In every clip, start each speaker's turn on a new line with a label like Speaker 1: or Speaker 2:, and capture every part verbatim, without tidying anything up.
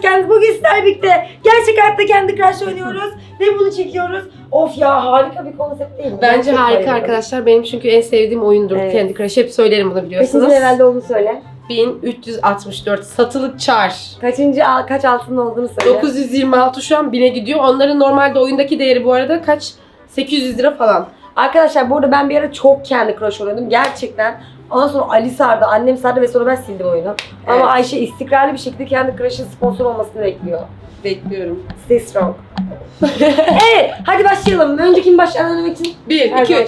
Speaker 1: geldiniz. Bugün sizlerle birlikte gerçek hayatta Candy Crush oynuyoruz ve bunu çekiyoruz. Of ya, harika bir konsept değil mi?
Speaker 2: Bence
Speaker 1: Ben
Speaker 2: harika
Speaker 1: bayılıyorum.
Speaker 2: arkadaşlar. Benim çünkü en sevdiğim oyundur
Speaker 1: Evet.
Speaker 2: Candy Crush. Hep söylerim bunu, biliyorsunuz.
Speaker 1: Kaçıncı levelde olduğunu söyle.
Speaker 2: bin üç yüz altmış dört satılık çar.
Speaker 1: Kaçıncı, al- kaç altının olduğunu söyle.
Speaker 2: dokuz yüz yirmi altı şu an bine gidiyor. Onların normalde oyundaki değeri bu arada kaç? sekiz yüz lira falan.
Speaker 1: Arkadaşlar bu arada ben bir ara çok Candy Crush oynuyordum gerçekten. Ondan sonra Ali sardı, annem sardı ve sonra ben sildim oyunu.
Speaker 2: Evet.
Speaker 1: Ama Ayşe istikrarlı bir şekilde Candy Crush'ın sponsor olmasını bekliyor.
Speaker 2: Bekliyorum.
Speaker 1: Stay strong. Evet, hadi başlayalım. Önce kim başlar demek için?
Speaker 2: bir,
Speaker 1: Her
Speaker 2: iki,
Speaker 1: zaman.
Speaker 2: üç.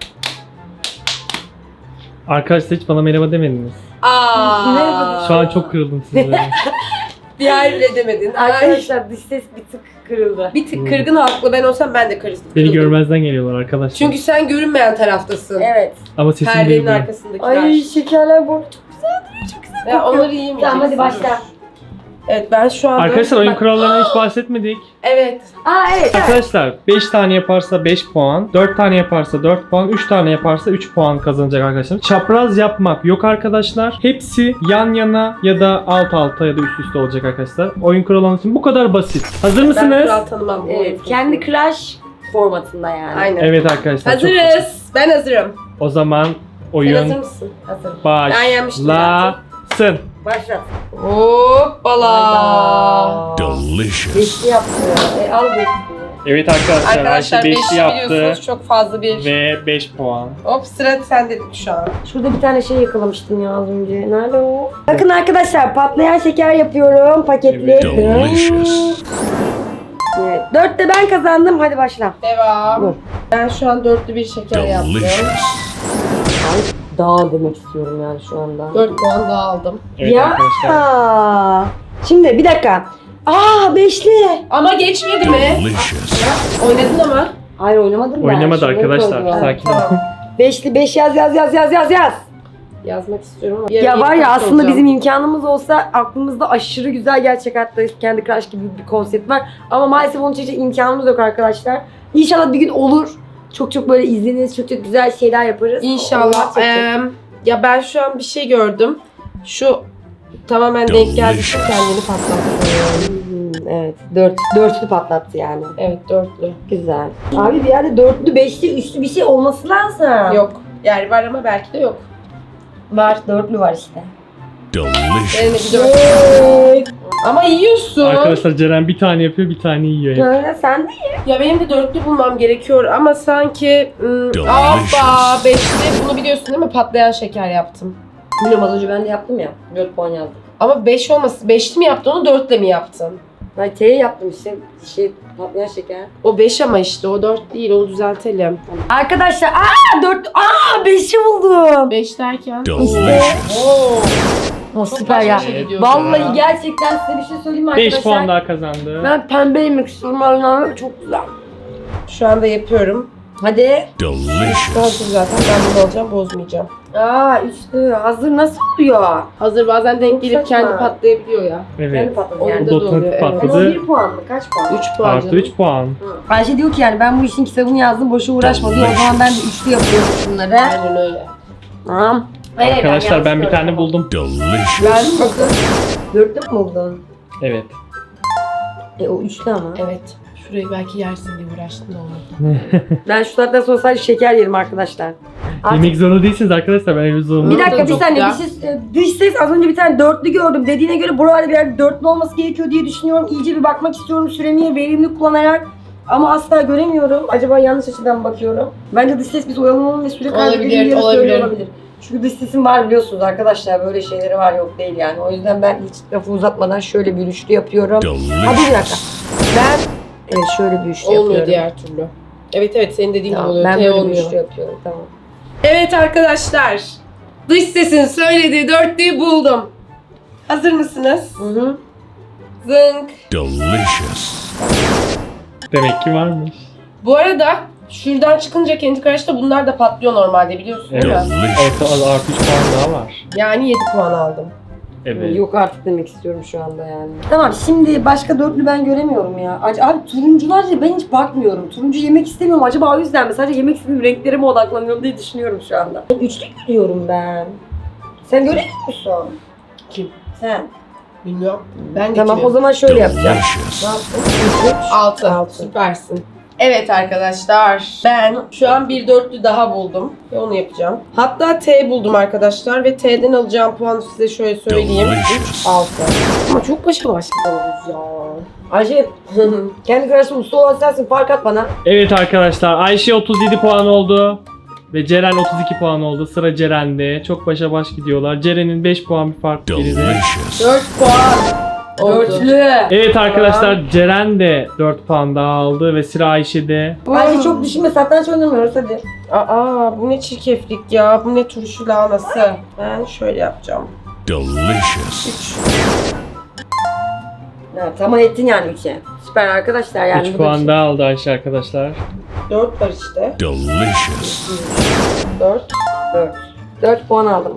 Speaker 3: Arkadaşlar hiç bana merhaba demediniz.
Speaker 2: Aaa.
Speaker 3: Şu an çok kırıldım sizlere.
Speaker 2: Bir ay bile demedin. Ay.
Speaker 1: Arkadaşlar dış ses bir tık kırıldı.
Speaker 2: Bir tık kırgın haklı. Ben olsam ben de kırıldım.
Speaker 3: Beni görmezden geliyorlar arkadaşlar.
Speaker 2: Çünkü sen görünmeyen taraftasın.
Speaker 1: Evet.
Speaker 3: Ama sesim
Speaker 2: Perdenin
Speaker 3: duyuluyor.
Speaker 2: arkasındakiler.
Speaker 1: Ay şekerler bu arada çok güzel duruyor, çok güzel
Speaker 2: Ya
Speaker 1: kokuyor.
Speaker 2: onları yiyemeyeceksin.
Speaker 1: Tamam hadi başla.
Speaker 2: Evet, ben şu anda...
Speaker 3: Arkadaşlar oyun
Speaker 2: Bak-
Speaker 3: kurallarına hiç bahsetmedik.
Speaker 2: Evet.
Speaker 1: Aa evet.
Speaker 3: Arkadaşlar beş tane yaparsa beş puan, dört tane yaparsa dört puan, üç tane yaparsa üç puan kazanacak arkadaşlar. Çapraz yapmak yok arkadaşlar. Hepsi yan yana ya da alt alta ya da üst üste olacak arkadaşlar. Oyun kuralları için bu kadar basit. Hazır
Speaker 2: Ben
Speaker 3: mısınız?
Speaker 2: kural tanımam. bu
Speaker 1: Evet,
Speaker 2: oyunu.
Speaker 1: Candy Crush formatında yani.
Speaker 2: Aynen.
Speaker 3: Evet arkadaşlar. çok basit.
Speaker 2: Hazırız. Ben hazırım.
Speaker 3: O zaman
Speaker 2: Sen hazır
Speaker 3: oyun
Speaker 2: mısın?
Speaker 1: Hazır.
Speaker 2: Ben yenmiştim
Speaker 3: başlasın.
Speaker 1: Başla.
Speaker 2: Hoppala.
Speaker 4: Delicious.
Speaker 1: Beşli yaptı. E, al beşli.
Speaker 3: Evet arkadaşlar,
Speaker 2: Arkadaşlar
Speaker 3: Ayşe
Speaker 2: beşi
Speaker 3: beşli yaptı
Speaker 2: biliyorsunuz, çok fazla bir.
Speaker 3: ve beş puan.
Speaker 2: Hop, sıra sende şu an.
Speaker 1: Şurada bir tane şey yakalamıştım ya az önce. Nerede o? Bakın arkadaşlar, patlayan şeker yapıyorum. Paketli.
Speaker 4: Delicious.
Speaker 1: Evet. Dörtte ben kazandım. Hadi başla.
Speaker 2: Devam.
Speaker 1: Dur.
Speaker 2: Ben şu an dörtlü bir şeker yaptım.
Speaker 4: Delicious.
Speaker 1: Daha demek istiyorum yani şu anda.
Speaker 2: dört puan daha aldım.
Speaker 3: Evet
Speaker 1: ya.
Speaker 3: arkadaşlar.
Speaker 1: Şimdi bir dakika. Aa beşli.
Speaker 2: Ama geçmedi mi?
Speaker 4: Delicious.
Speaker 2: Oynadın ama.
Speaker 1: Hayır oynamadım ben.
Speaker 3: Oynamadı
Speaker 1: Şunları
Speaker 3: arkadaşlar.
Speaker 1: koydum.
Speaker 3: Sakin olun.
Speaker 2: Tamam.
Speaker 1: Beşli beş yaz yaz yaz yaz yaz yaz.
Speaker 2: Yazmak istiyorum ama.
Speaker 1: Ya var ya, aslında bizim imkanımız olsa aklımızda aşırı güzel gerçek hayatta Candy Crush gibi bir konsept var. Ama maalesef onun için imkanımız yok arkadaşlar. İnşallah bir gün olur. Çok çok böyle izleniriz, çok çok güzel şeyler yaparız.
Speaker 2: İnşallah.
Speaker 1: Olmaz, çok çok.
Speaker 2: Eee, ya ben şu an bir şey gördüm. Şu tamamen denk geldi, şu kendini patlattı.
Speaker 1: Hmm, evet, dört, dörtlü patlattı yani.
Speaker 2: Evet, dörtlü.
Speaker 1: Güzel. Abi bir yerde dörtlü, beşli, üçlü bir şey olması lazım.
Speaker 2: Yok. Yani var ama belki de yok.
Speaker 1: Var, dörtlü var işte.
Speaker 2: Benim de
Speaker 4: Delicious.
Speaker 2: bir dörtlü. Ama yiyorsun.
Speaker 3: Arkadaşlar Ceren bir tane yapıyor, bir tane yiyor.
Speaker 1: Ha, sen de
Speaker 2: Ya benim de dörtlü bulmam gerekiyor ama sanki... Im,
Speaker 4: Delicious.
Speaker 2: Hoppa, beşli. Bunu biliyorsun değil mi? Patlayan şeker yaptım.
Speaker 1: bilmiyorum, az önce ben de yaptım ya. dört puan yazdım.
Speaker 2: Ama beş olmasın. Beşli mi yaptın, onu dörtle mi yaptın?
Speaker 1: Ben T'ye yaptım işte. Şey, patlayan şeker.
Speaker 2: O beş ama işte, o dört değil. Onu düzeltelim.
Speaker 1: Arkadaşlar, aa dört, aa beşi buldum.
Speaker 2: Beş derken...
Speaker 4: Delicious.
Speaker 2: Oo.
Speaker 1: Oh,
Speaker 2: Çok
Speaker 1: süper
Speaker 2: başka
Speaker 1: ya.
Speaker 2: şey gidiyor.
Speaker 1: Vallahi gerçekten size bir şey söyleyeyim mi arkadaşlar?
Speaker 3: beş puan daha kazandı.
Speaker 1: Ben pembe yemek istiyorum. Allah'ım çok güzel.
Speaker 2: Şu anda yapıyorum.
Speaker 1: Hadi.
Speaker 4: Delicious.
Speaker 2: Hazır zaten. Ben bunu alacağım, bozmayacağım.
Speaker 1: Aa üçlü. Hazır nasıl oluyor?
Speaker 2: Hazır, bazen denk gelip
Speaker 1: Saçma.
Speaker 2: kendi patlayabiliyor ya.
Speaker 1: Kendi
Speaker 3: Evet.
Speaker 1: patladı
Speaker 2: Oyunda
Speaker 1: yani.
Speaker 2: da
Speaker 3: Dotun
Speaker 2: oluyor. Evet.
Speaker 3: patladı.
Speaker 1: Yani o bir puan mı? Kaç puan?
Speaker 2: üç puan
Speaker 3: Artı
Speaker 2: canım.
Speaker 3: üç puan.
Speaker 1: Ayşe diyor ki yani ben bu işin kitabını yazdım, boşa uğraşma diyor. O zaman ben de üçlü yapıyorum şunları.
Speaker 2: Aynen öyle.
Speaker 1: Tamam. Hayır,
Speaker 3: Arkadaşlar ben
Speaker 1: yanlış
Speaker 3: bir tane
Speaker 1: gördüm.
Speaker 3: buldum.
Speaker 4: Delicious.
Speaker 2: Ben bakın.
Speaker 1: Dörtlü mü buldun?
Speaker 3: Evet.
Speaker 1: E o üçlü ama.
Speaker 2: Evet. Şurayı belki yersin diye uğraştım da olmadı.
Speaker 1: Ben şu saatten sonra sadece şeker yerim arkadaşlar. Artık-
Speaker 3: Yemek zorunda değilsiniz arkadaşlar, ben öyle zorunda.
Speaker 1: Bir
Speaker 2: Tadı
Speaker 1: dakika bir
Speaker 2: çok
Speaker 1: saniye,
Speaker 2: güzel.
Speaker 1: bir şey, dış ses az önce bir tane dörtlü gördüm. Dediğine göre buralarda bir yerde dörtlü olması gerekiyor diye düşünüyorum. İyice bir bakmak istiyorum süremi verimli kullanarak. Ama asla göremiyorum. Acaba yanlış açıdan mı bakıyorum? Bence dış ses biz oyalanalım ve süre kaybedelim
Speaker 2: Olabilir,
Speaker 1: diye
Speaker 2: olabilir.
Speaker 1: söylüyor olabilir. Çünkü dış sesim var biliyorsunuz arkadaşlar. Böyle şeyleri var, yok değil yani. O yüzden ben hiç lafı uzatmadan şöyle bir üçlü yapıyorum. Ha bir dakika. Ben evet şöyle bir üçlü
Speaker 2: Olmuyor
Speaker 1: yapıyorum.
Speaker 2: diğer türlü. Evet evet, senin dediğin gibi
Speaker 1: Tamam,
Speaker 2: oluyor.
Speaker 1: ben
Speaker 2: T
Speaker 1: böyle bir
Speaker 2: olmuyor.
Speaker 1: üçlü yapıyorum, tamam.
Speaker 2: Evet arkadaşlar. Dış sesin söylediği dörtlüyü buldum. Hazır mısınız?
Speaker 1: Hı hı.
Speaker 2: Zınk.
Speaker 4: Delicious.
Speaker 3: Demek ki varmış.
Speaker 2: Bu arada şuradan çıkınca Candy Crush'ta bunlar da patlıyor normalde, biliyorsun değil mi?
Speaker 4: Delicious.
Speaker 3: Orta artı üç puan daha var.
Speaker 2: Yani yedi puan aldım.
Speaker 3: Evet.
Speaker 1: Yok artık demek istiyorum şu anda yani. Tamam, şimdi başka dörtlü ben göremiyorum ya. Ac- Abi turuncular ya, ben hiç bakmıyorum. Turuncu yemek istemiyorum. Acaba o yüzden mi? Sadece yemek istediğim renklere mi odaklanıyorum diye düşünüyorum şu anda. Üçlü görüyorum ben. Sen göremiyor musun?
Speaker 2: Kim?
Speaker 1: Sen.
Speaker 2: Bilmiyorum. Ben de
Speaker 1: Tamam o zaman şöyle yapacağım.
Speaker 4: Delicious.
Speaker 1: Ne yaptın?
Speaker 2: altı.
Speaker 1: Altı.
Speaker 2: Süpersin. Evet arkadaşlar, ben şu an bir dörtlü daha buldum ve onu yapacağım. Hatta T buldum arkadaşlar ve T'den alacağım puanı size şöyle söyleyeyim.
Speaker 4: Delicious.
Speaker 2: altı. Ama çok başa başlıyoruz ya.
Speaker 1: Ayşe kendi karşısında usta olan sensin, fark at bana.
Speaker 3: Evet arkadaşlar, Ayşe otuz yedi puan oldu. Ve Ceren otuz iki puan oldu. Sıra Ceren'de. Çok başa baş gidiyorlar. Ceren'in beş puan bir fark geride.
Speaker 4: Delicious.
Speaker 2: dört puan. Oldu.
Speaker 1: Dörtlü.
Speaker 3: Evet arkadaşlar, Ceren de dört puan daha aldı ve sıra Ayşe'de.
Speaker 1: Ayşe çok düşünme, satranç oynamıyoruz hadi.
Speaker 2: Aa, bu ne çirkeflik ya. Bu ne turşu lahanası. Ben şöyle yapacağım.
Speaker 4: Delicious.
Speaker 2: üç.
Speaker 1: Ya, tamam ettin yani üçe. Süper arkadaşlar yani.
Speaker 3: üç
Speaker 1: bu da bir
Speaker 3: puan
Speaker 1: şey.
Speaker 3: daha aldı Ayşe arkadaşlar.
Speaker 2: dört var işte.
Speaker 4: Delicious.
Speaker 2: dört.
Speaker 1: Dört. Dört puan aldım.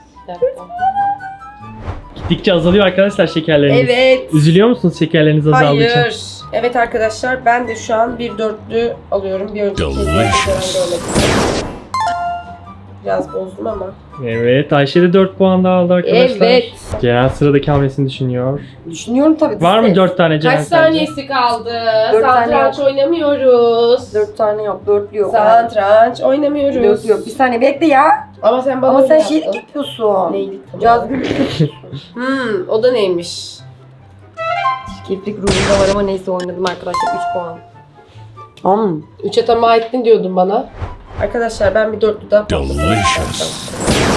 Speaker 3: Gittikçe azalıyor arkadaşlar şekerleriniz.
Speaker 2: Evet.
Speaker 3: Üzülüyor musunuz şekerleriniz azaldığı için?
Speaker 2: Hayır. Evet arkadaşlar, ben de şu an bir dörtlü alıyorum. Bir önceki kez
Speaker 4: Delicious.
Speaker 2: görmek Biraz bozdum ama.
Speaker 3: Evet, Ayşe de dört puan daha aldı arkadaşlar.
Speaker 2: Evet.
Speaker 3: Ceren sıradaki hamlesini düşünüyor.
Speaker 1: Düşünüyorum tabii.
Speaker 3: Var mı
Speaker 1: siz.
Speaker 3: dört tane Ceren
Speaker 2: Kaç
Speaker 3: sence?
Speaker 2: saniyesi kaldı?
Speaker 1: Dört tane
Speaker 2: Satranç oynamıyoruz.
Speaker 1: Dört tane yok, dörtlü yok.
Speaker 2: Satranç oynamıyoruz.
Speaker 1: Dörtlü yok. Bir saniye bekle ya.
Speaker 2: Ama sen bana
Speaker 1: Ama
Speaker 2: öyle
Speaker 1: sen
Speaker 2: yaptın.
Speaker 1: şeylik yapıyorsun.
Speaker 2: Neydi?
Speaker 1: Cazgırlık.
Speaker 2: Hmm, o da neymiş?
Speaker 1: Çirkeflik ruhunda var ama neyse oynadım arkadaşlar. Üç puan. Am.
Speaker 2: Üçe tamah ettin diyordun bana. Arkadaşlar ben bir dörtlü daha patladım.
Speaker 4: Delicious.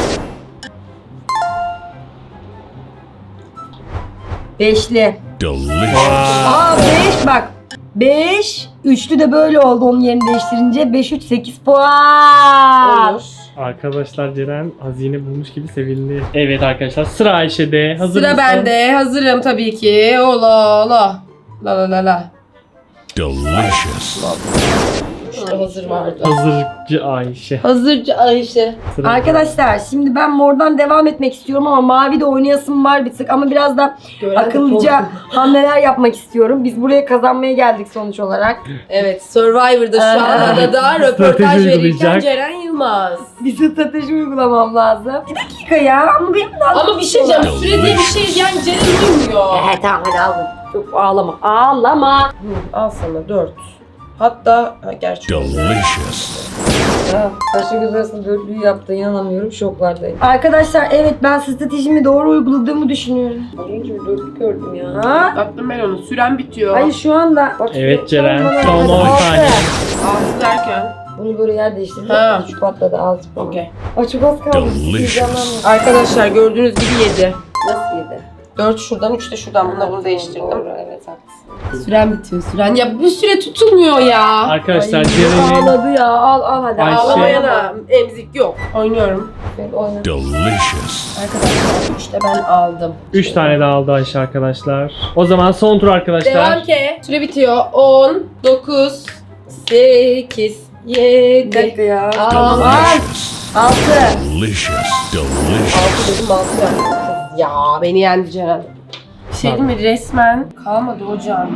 Speaker 1: Beşli.
Speaker 4: Delicious.
Speaker 1: Aa beş bak. Beş. Üçlü de böyle oldu onun yerini değiştirince. Beş, üç, sekiz puan.
Speaker 2: Olur.
Speaker 3: Arkadaşlar Ceren hazine bulmuş gibi sevindi. Evet arkadaşlar, sıra Ayşe'de. Hazır
Speaker 2: Sıra
Speaker 3: mısın?
Speaker 2: bende. Hazırım tabii ki. Ola ola. La la la la.
Speaker 4: Delicious.
Speaker 2: Şurada hazır vardı.
Speaker 3: Hazırcı Ayşe.
Speaker 2: Hazırcı Ayşe.
Speaker 3: Sıra
Speaker 1: Arkadaşlar şimdi ben mordan devam etmek istiyorum ama mavi de oynayasım var bir tık ama biraz da akıllıca hamleler yapmak istiyorum. Biz buraya kazanmaya geldik sonuç olarak.
Speaker 2: Evet, Survivor'da şu
Speaker 1: Aa.
Speaker 2: anda da röportaj
Speaker 3: Strateji
Speaker 2: verirken
Speaker 3: uygulayacak.
Speaker 2: Ceren Yılmaz.
Speaker 1: Bir strateji uygulamam lazım. Bir dakika ya ama benim de
Speaker 2: Ama bir şey diyeceğim, süre diye bir şey yani Ceren duymuyor.
Speaker 1: He tamam hadi aldım. Çok ağlama. Ağlama.
Speaker 2: Hı, al sana dört. Hatta ha, gerçi oldu.
Speaker 4: Delicious.
Speaker 1: Ha, Taşla göz arasında dörtlüyü yaptı. İnanamıyorum. Şoklardayım. Arkadaşlar evet ben stratejimi doğru uyguladığımı düşünüyorum. Az önce bir dörtlük gördüm ya. Ha?
Speaker 2: Baktım ben onu. Süren bitiyor.
Speaker 1: Hayır şu anda. Bak,
Speaker 3: Evet,
Speaker 1: şu-
Speaker 3: Ceren,
Speaker 1: bana-
Speaker 3: son
Speaker 1: hadi,
Speaker 3: on
Speaker 1: altı.
Speaker 3: saniye.
Speaker 2: Altı derken.
Speaker 1: Bunu böyle yer değiştirdim.
Speaker 2: Ha.
Speaker 1: Şu patladı altı puan.
Speaker 2: Okey.
Speaker 1: Ay çok az kaldı.
Speaker 4: Delicious.
Speaker 1: Heyecanlandım.
Speaker 2: Arkadaşlar gördüğünüz gibi yedi.
Speaker 1: Nasıl yedi?
Speaker 2: dört şuradan, üç de şuradan. Bununla bunu değiştirdim.
Speaker 1: Doğru, evet haklısın.
Speaker 2: Süren bitiyor. Süren. Ya bu süre tutulmuyor ya.
Speaker 3: Arkadaşlar
Speaker 1: Ay,
Speaker 3: Ceren'in
Speaker 1: ağladı ya. Al al hadi.
Speaker 3: Ayşe.
Speaker 2: Ağlamayana emzik yok. Oynuyorum.
Speaker 1: Evet, oyna.
Speaker 4: Delicious.
Speaker 2: Arkadaşlar üç de ben aldım.
Speaker 3: üç tane daha aldı Ayşe arkadaşlar. O zaman son tur arkadaşlar.
Speaker 2: Devam ki. Süre bitiyor. on, dokuz, sekiz,
Speaker 1: Bir
Speaker 2: yedi.
Speaker 1: dakika ya.
Speaker 2: Al.
Speaker 4: Delicious.
Speaker 1: Altı.
Speaker 4: Delicious.
Speaker 2: altı
Speaker 4: Delicious.
Speaker 2: dedim altı yaptım. Ya beni yendi Ceren. Bir şey değil mi? Resmen kalmadı hocam.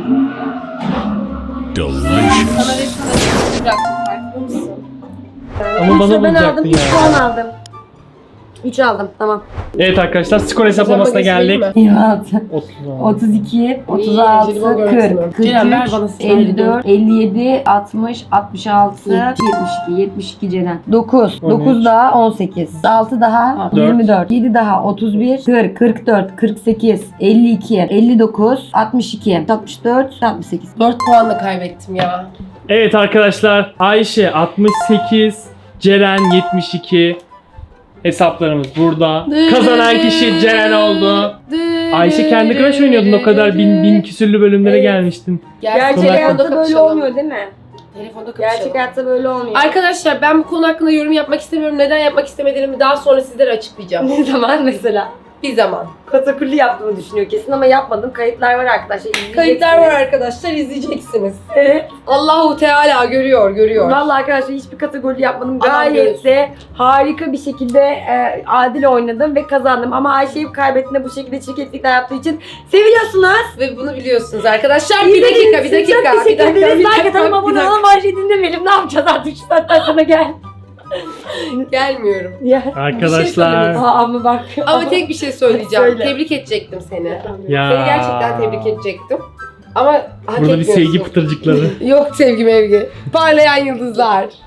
Speaker 4: Delicious.
Speaker 2: Sana resmen açıklık bıraktım. Farkında mısın?
Speaker 3: Ama bana
Speaker 1: Üçü ben
Speaker 3: bulacaktın
Speaker 1: aldım. Üç
Speaker 3: ya.
Speaker 1: puan aldım. Üç aldım. Tamam.
Speaker 3: Evet arkadaşlar, skor hesaplamasına
Speaker 2: Hesapla
Speaker 3: geldik.
Speaker 2: geçeyim mi?
Speaker 1: altı.
Speaker 3: otuz.
Speaker 1: otuz iki, otuz
Speaker 2: İyi,
Speaker 1: altı,
Speaker 2: jelibon görüntüsü.
Speaker 1: kırk, kırk
Speaker 2: Ceren, ver
Speaker 1: üç,
Speaker 2: bana silahı.
Speaker 1: elli dört, elli yedi, altmış, altmış altı, yetmiş iki, yetmiş iki Ceren. dokuz,
Speaker 3: on üç.
Speaker 1: dokuz daha on sekiz, altı daha
Speaker 3: dört.
Speaker 1: yirmi dört, yedi daha otuz bir, kırk, kırk dört, kırk sekiz, elli iki, elli dokuz, altmış iki, altmış dört, altmış sekiz.
Speaker 2: dört puanla kaybettim ya.
Speaker 3: Evet arkadaşlar, Ayşe altmış sekiz, Ceren yetmiş iki. Hesaplarımız burada. Kazanan kişi Ceren oldu. Ayşe kendi Crash oynuyordun, o kadar bin, bin küsürlü bölümlere
Speaker 1: Evet.
Speaker 3: gelmiştin.
Speaker 1: Gerçek
Speaker 3: Sonuna
Speaker 1: hayatta
Speaker 2: Telefonda
Speaker 1: böyle
Speaker 2: kapışalım.
Speaker 1: olmuyor değil mi?
Speaker 2: Telefonda kapışalım.
Speaker 1: Gerçek hayatta böyle olmuyor.
Speaker 2: Arkadaşlar ben bu konu hakkında yorum yapmak istemiyorum. Neden yapmak istemediğimi daha sonra sizlere açıklayacağım.
Speaker 1: Ne zaman mesela?
Speaker 2: Bir zaman.
Speaker 1: Katakulli yaptığımı düşünüyor kesin ama yapmadım. Kayıtlar var arkadaşlar. izleyeceksiniz.
Speaker 2: Kayıtlar var arkadaşlar, izleyeceksiniz.
Speaker 1: Evet.
Speaker 2: Allahu Teala görüyor, görüyor.
Speaker 1: Vallahi arkadaşlar hiçbir kategori yapmadım.
Speaker 2: Adam
Speaker 1: Gayet
Speaker 2: görürsün.
Speaker 1: de harika bir şekilde e, adil oynadım ve kazandım. Ama Ayşe'yi kaybettiğinde bu şekilde çirkeflikler yaptığı için seviliyorsunuz.
Speaker 2: Ve bunu biliyorsunuz arkadaşlar. Bir dakika, bir dakika.
Speaker 1: Çok
Speaker 2: Bir
Speaker 1: teşekkür
Speaker 2: dakika,
Speaker 1: ederiz.
Speaker 2: bir
Speaker 1: Like
Speaker 2: dakika,
Speaker 1: atalım,
Speaker 2: bir
Speaker 1: abone
Speaker 2: dakika.
Speaker 1: olalım. Ayşe'yi dinlemeyelim. Ne yapacağız artık şu saatten sonra gel.
Speaker 2: Gelmiyorum.
Speaker 1: Ya.
Speaker 3: Arkadaşlar.
Speaker 1: Aa, ama bak.
Speaker 2: Ama tek bir şey söyleyeceğim.
Speaker 1: Söyle.
Speaker 2: Tebrik edecektim seni.
Speaker 3: Ya.
Speaker 2: Seni gerçekten tebrik edecektim. Ama hak
Speaker 3: Burada bir
Speaker 2: etmiyorsun.
Speaker 3: sevgi pıtırcıkları.
Speaker 2: Yok sevgi mevgi. Parlayan yıldızlar.